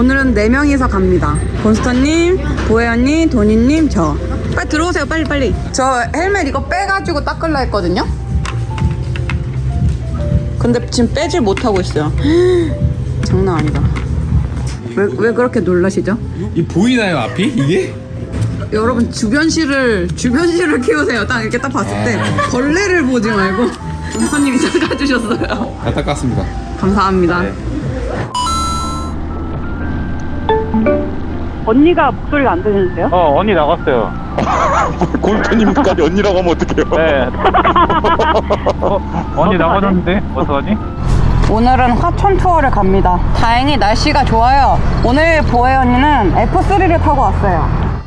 오늘은 4명이서 갑니다. 곤스터님, 보혜언니, 도니님, 저. 빨리 들어오세요, 빨리. 저 헬멧 이거 빼가지고 닦으려 했거든요? 근데 지금 빼질 못하고 있어요. 장난 아니다. 왜 그렇게 놀라시죠? 이 보이나요 앞이 이게? 여러분 주변시를 키우세요. 딱 이렇게 딱 봤을 때 벌레를 보지 말고. 곤스터님이 닦아주셨어요. 다 닦았습니다. 감사합니다. 네. 언니가 목소리가 안 들리는데요? 언니 나갔어요. 골프님까지 언니라고 하면 어떡해요? 네. 언니 나가셨는데? 어떡하지? 오늘은 화천 투어를 갑니다. 다행히 날씨가 좋아요. 오늘 보혜 언니는 F3를 타고 왔어요.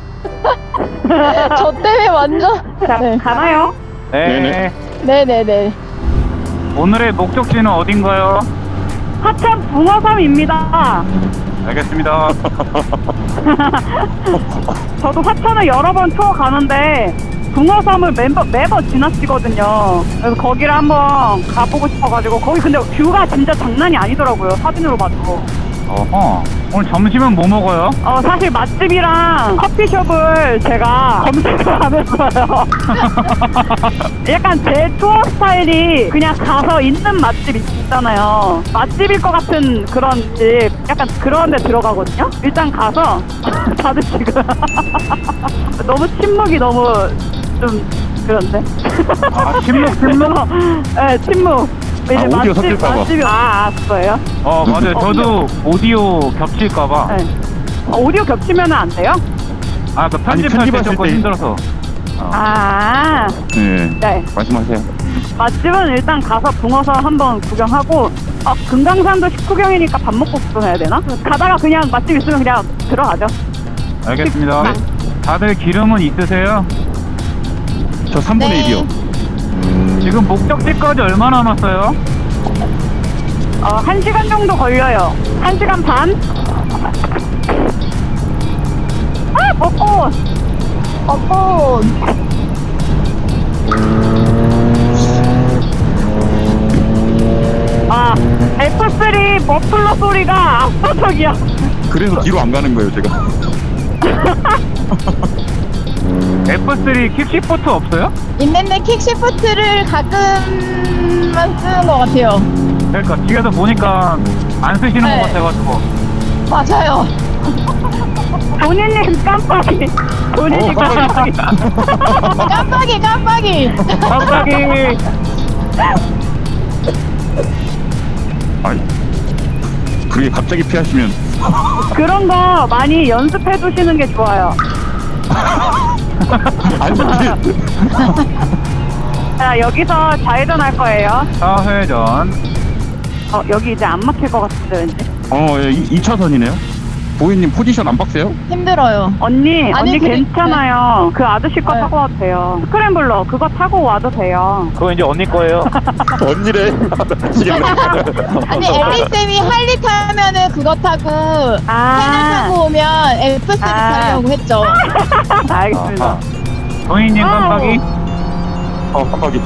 저 때문에 완전. 자, 네. 가나요? 네. 네네네. 오늘의 목적지는 어딘가요? 하천 붕어섬입니다. 알겠습니다. 저도 화천을 여러 번 투어 가는데 붕어섬을 매번 지나치거든요. 그래서 거기를 한번 가보고 싶어가지고 거기 근데 뷰가 진짜 장난이 아니더라고요. 사진으로 봐도. 어허. 오늘 점심은 뭐 먹어요? 사실 맛집이랑 커피숍을 제가 검색을 안 했어요. 약간 제 투어 스타일이 그냥 가서 있는 맛집 있잖아요. 맛집일 것 같은 그런 집, 약간 그런 데 들어가거든요. 일단 가서 다들 지금 너무 침묵이 너무 좀 그런데. 아, 침묵? 네, 침묵. 이제 오디오 섞일까 봐. 맛집이 거예요? 맞아요. 저도 오디오 겹칠까봐. 네. 오디오 겹치면 안 돼요? 그 편집할 때 편집하실 조금 때. 힘들어서. 네. 네. 말씀하세요. 맛집은 일단 가서 붕어섬 한번 구경하고 금강산도 식후경이니까 밥 먹고 구경해야 되나? 가다가 그냥 맛집 있으면 그냥 들어가죠. 알겠습니다. 다들 기름은 있으세요? 저 3분의 네. 1이요. 지금 목적지까지 얼마 남았어요? 1시간 정도 걸려요. 1시간 반? 벚꽃! 벚꽃. F3 머플러 소리가 압도적이야. 그래서 뒤로 안 가는 거예요, 제가. F3 킥시포트 없어요? 있는데 킥시프트를 가끔만 쓰는 것 같아요. 그러니까 뒤에서 보니까 안 쓰시는 네. 것 같아가지고. 맞아요. 본인님 깜빡이. 본인이 깜빡이. 깜빡이. 갑자기 아이, 그게 갑자기 피하시면. 그런 거 많이 연습해 두시는 게 좋아요. 아니, 자, 여기서 좌회전 할 거예요. 사회전. 여기 이제 안 막힐 것 같은데 왠지. 2차선이네요. 보이님 포지션 안 박세요? 힘들어요. 언니 아니, 괜찮아요. 그 아저씨 거 네. 타고 와도 돼요. 스크램블러 그거 타고 와도 돼요. 그거 이제 언니 거예요. 언니래. 아니 엘리쌤이 할리 타면은 그거 타고 펜을 타고 오면 F3 타려고 했죠. 알겠습니다. 동희님 깜빡이. 깜빡이.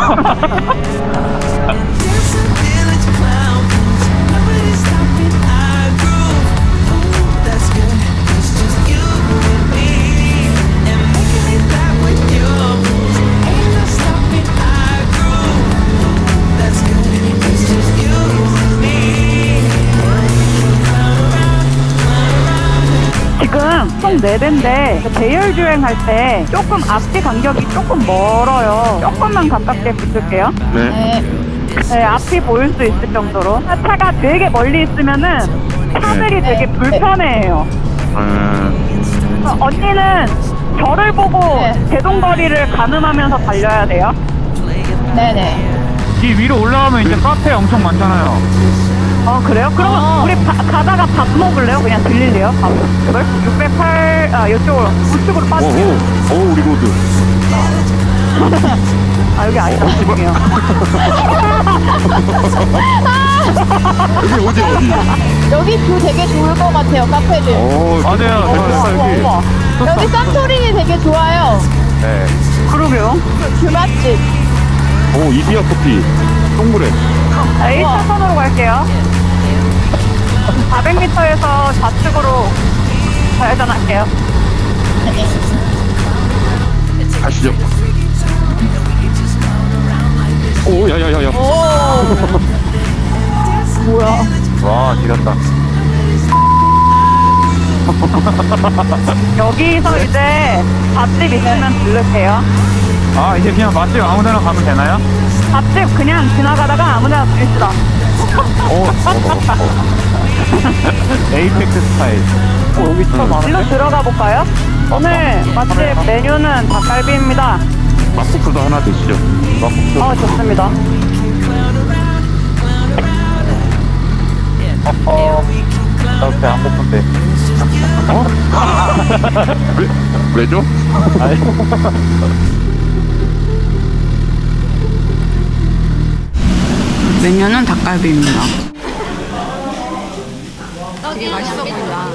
지금 총 4대인데 대열주행 할 때 조금 앞뒤 간격이 조금 멀어요. 조금만 가깝게 붙을게요. 네. 네, 앞이 보일 수 있을 정도로. 차가 되게 멀리 있으면은 차들이 되게 불편해해요. 언니는 저를 보고 네. 제동거리를 가늠하면서 달려야 돼요. 네네. 이 위로 올라가면 이제 카페 엄청 많잖아요. 그래요? 그러면 우리 가다가 밥 먹을래요? 그냥 들릴래요? 밥을? 608, 이쪽으로, 우측으로 빠질게요. 오, 우리 모두. 여기 아니다. 죄송해요. 여기 어디? 여기 뷰 되게 좋을 것 같아요. 카페들. 맞아요. 우와. 여기 산토리니 되게 좋아요. 네. 그러게요. 뷰 맛집. 오, 이디야 커피. 동물에. 1차선으로 갈게요. 400m에서 좌측 좌측으로 좌회전할게요. 가시죠. 오, 야야야야. 뭐야? 와, 지렸다. 여기서 이제 밥집 있으면 들를게요. 아, 이제 그냥 맛집 아무 데나 가면 되나요? 밥집 그냥 지나가다가 아무데나 들립시다. 에이펙스 스타일. 여기 진짜 일로 많은데? 들어가 볼까요? 오늘 맛집 메뉴는 닭갈비입니다. 막국수도 하나 드시죠. 좋습니다. 나 배 안 고픈데. 왜죠? 메뉴는 닭갈비입니다. 되게 맛있어 보인다.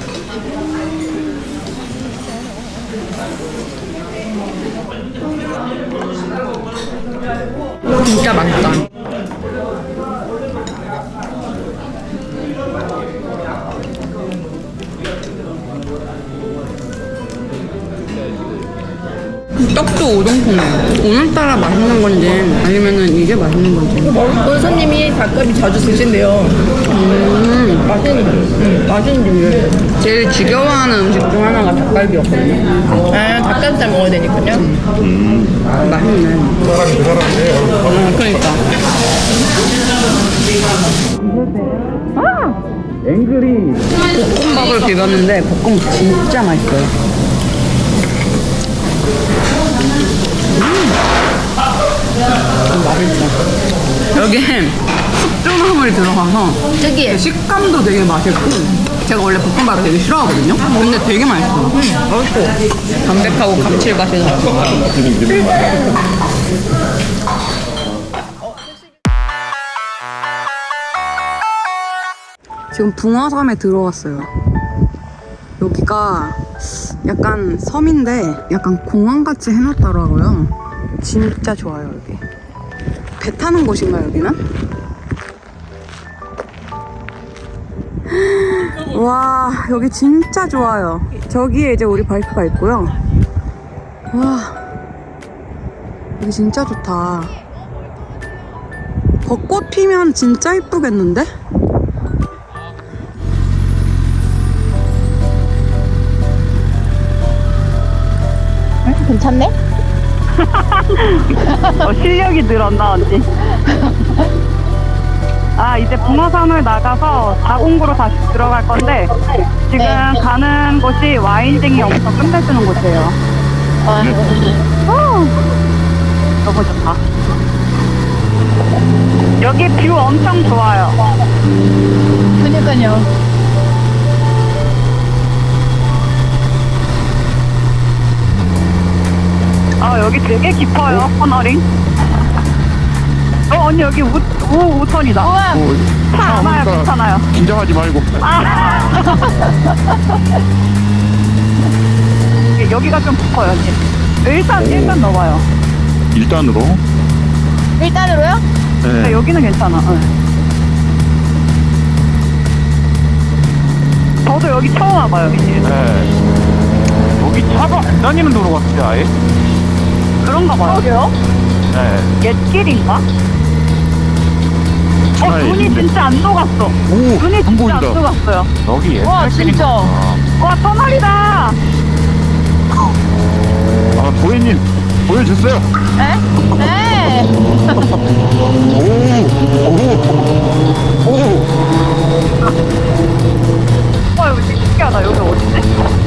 진짜 맛있다. 떡도 우동통이에요. 오늘따라 맛있는 건지 아니면은 이게 맛있는 건지. 본 손님이 닭갈비 자주 드신대요. 맛있는 종류예요. 제일 지겨워하는 음식 중 하나가 닭갈비였거든요. 아, 닭가슴살 먹어야 되니까요. 맛있네. 그러니까. 앵그리. 볶음밥을 비볐는데 볶음 진짜 맛있어요. 맛있어. 여기에 숙주나물이 들어가서 특이해. 식감도 되게 맛있고, 제가 원래 볶음밥을 되게 싫어하거든요. 근데 되게 맛있어요. 맛있어. 담백하고 감칠맛이 나고. 지금 붕어섬에 들어왔어요. 여기가 약간 섬인데 약간 공항같이 해놨더라고요. 진짜 좋아요, 여기. 배 타는 곳인가, 여기는? 와, 여기 진짜 좋아요. 저기에 이제 우리 바이크가 있고요. 와, 여기 진짜 좋다. 벚꽃 피면 진짜 이쁘겠는데? 괜찮네? 실력이 늘었나 언니? 이제 붕어섬을 나가서 자공구로 다시 들어갈 건데 지금 네. 가는 곳이 와인쟁이 엄청 끝내주는 곳이에요. 너무 좋다. 여기 뷰 엄청 좋아요. 그니까요. 여기 되게 깊어요, 터널이. 언니 여기 우턴이다. 우와. 차 안 와요, 그러니까 괜찮아요. 긴장하지 말고. 여기가 좀 깊어요, 언니. 일단 넣어봐요. 일단으로. 일단으로요? 근데 여기는 괜찮아. 응. 저도 여기 처음 와봐요, 이제. 네. 여기 차가 안 다니는 도로 같은데, 아예? 그런가 봐요. 그러게요. 네. 옛길인가? 차에 눈이 있는데. 진짜 안 녹았어. 오, 눈이 안 진짜 보인다. 안 녹았어요. 여기 옛날 와, 진짜. 길이구나. 와, 터널이다! 아, 보혜님 보여줬어요. 에? 네. 오. 와, 여기 되게 신기하다. 여기 어디지?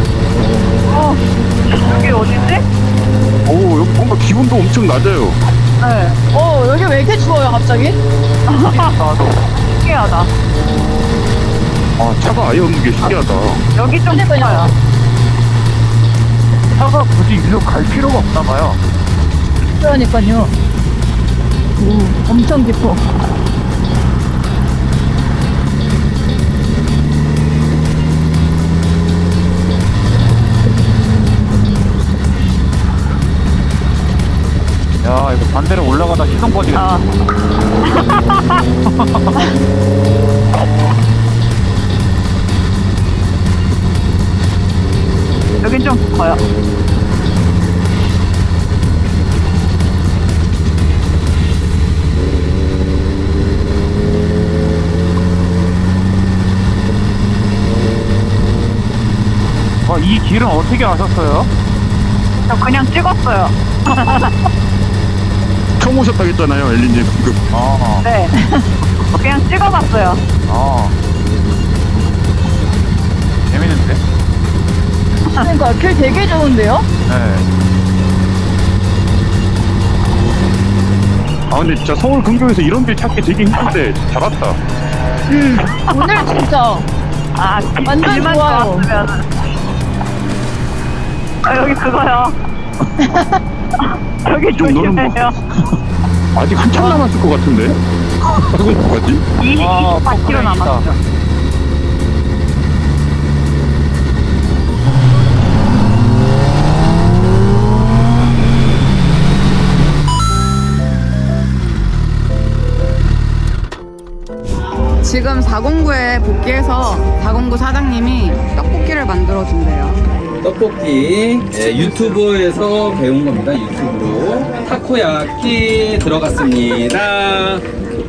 여기 어디지? 오, 여기 뭔가 기분도 엄청 낮아요. 네. 여기 왜 이렇게 추워요, 갑자기? 나도. 신기하다. 아, 차가 아예 없는 게 신기하다. 여기 좀 그러니까요. 깊어요. 차가 굳이 일로 갈 필요가 없나 봐요. 그러니까요. 엄청 깊어. 야, 이거 반대로 올라가다 시동 꺼지겠다. 여긴 좀 깊어요. 이 길은 어떻게 아셨어요? 저 그냥 찍었어요. 처음 오셨다고 했잖아요, 엘리님. 방금. 네. 그냥 찍어봤어요. 재밌는데? 그러니까 길 되게 좋은데요? 네. 근데 진짜 서울 근교에서 이런 길 찾기 되게 힘든데 잘 왔다. 오늘 진짜 아, 완전 길만 좋아요. 좋았으면. 여기 그거요. 저기 이 정도는 뭐. 조심해요. 아직 한참 남았을 것 같은데. 어떡하지? 24km 남았어. 지금 409에 복귀해서 409 사장님이 떡볶이를 만들어 준대요. 떡볶이 유튜브에서 배운 겁니다. 유튜브로 타코야끼 들어갔습니다.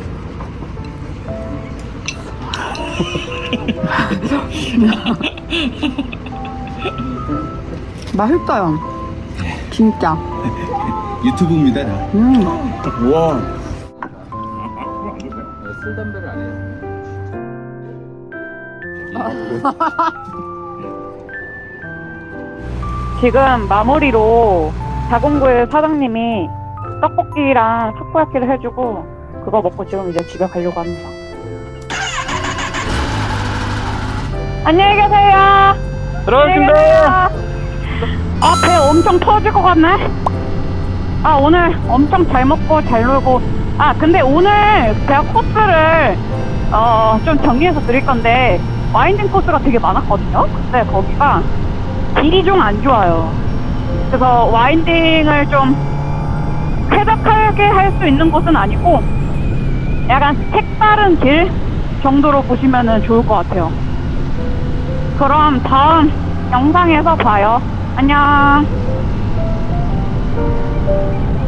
맛있어요. 진짜. 유튜브입니다. 우와. 술 담배를 안 해요. 지금 마무리로 409의 사장님이 떡볶이랑 타코야키를 해주고 그거 먹고 지금 이제 집에 가려고 합니다. 안녕히 계세요. 들어가겠습니다. 배 엄청 터질 것 같네. 오늘 엄청 잘 먹고 잘 놀고. 근데 오늘 제가 코스를 좀 정리해서 드릴 건데 와인딩 코스가 되게 많았거든요. 근데 거기가 길이 좀 안 좋아요. 그래서 와인딩을 좀 쾌적하게 할 수 있는 곳은 아니고 약간 색다른 길 정도로 보시면 좋을 것 같아요. 그럼 다음 영상에서 봐요. 안녕.